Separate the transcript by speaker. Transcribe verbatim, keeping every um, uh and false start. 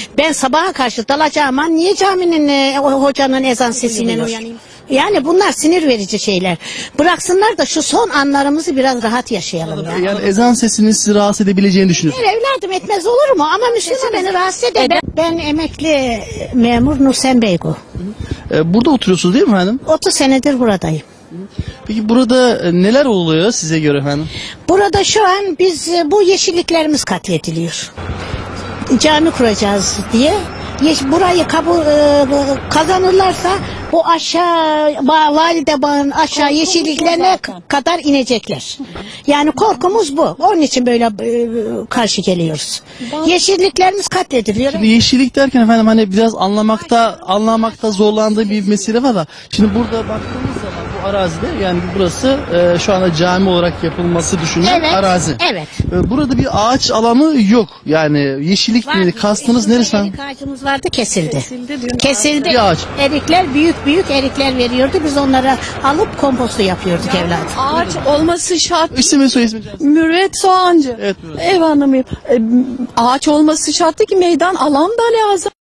Speaker 1: Ben sabaha karşı dalacağım ama niye caminin e, o hocanın ezan sesiyle uyanayım? Yani bunlar sinir verici şeyler. Bıraksınlar da şu son anlarımızı biraz rahat yaşayalım ya.
Speaker 2: Yani ezan sesinin sizi rahatsız edebileceğini düşünüyorsunuz.
Speaker 1: Hayır evladım, etmez olur mu? Ama Müslüman beni rahatsız eder. Ben, ben emekli memur Nusen Beygu.
Speaker 2: Ee, burada oturuyorsunuz değil mi efendim?
Speaker 1: otuz senedir buradayım.
Speaker 2: Peki burada e, neler oluyor size göre efendim?
Speaker 1: Burada şu an biz e, bu yeşilliklerimiz katlediliyor. Cami kuracağız diye. Yeş- burayı kabul e, bu- kazanırlarsa bu aşağı ba- valide bağın aşağı yeşilliklerine k- kadar inecekler. Yani korkumuz bu. Onun için böyle e, karşı geliyoruz. Yeşilliklerimiz katlediliyor.
Speaker 2: Şimdi yeşillik derken efendim hani biraz anlamakta anlamakta zorlandığı bir mesele var da. Şimdi burada baktığımız zaman bu arazide yani burası e, şu anda cami olarak yapılması düşünülen
Speaker 1: Evet.
Speaker 2: arazi.
Speaker 1: Evet.
Speaker 2: E, burada bir ağaç alanı yok. Yani yeşillik
Speaker 1: Var.
Speaker 2: dedi. Kastınız
Speaker 1: Şurada
Speaker 2: neresi efendim?
Speaker 1: Erik ağacımız vardı, kesildi.
Speaker 3: Kesildi diyor.
Speaker 1: Kesildi.
Speaker 2: Bir ağaç.
Speaker 1: Erikler büyük büyük erikler veriyordu. Biz onlara alıp kompostu yapıyorduk evladım.
Speaker 3: Ağaç olması şart.
Speaker 2: İsmi soy ismi.
Speaker 3: Mürvet Soğancı.
Speaker 2: Evet, Mürvet.
Speaker 3: Ev hanımıyım. E, ağaç olması şart ki meydan alan da lazım.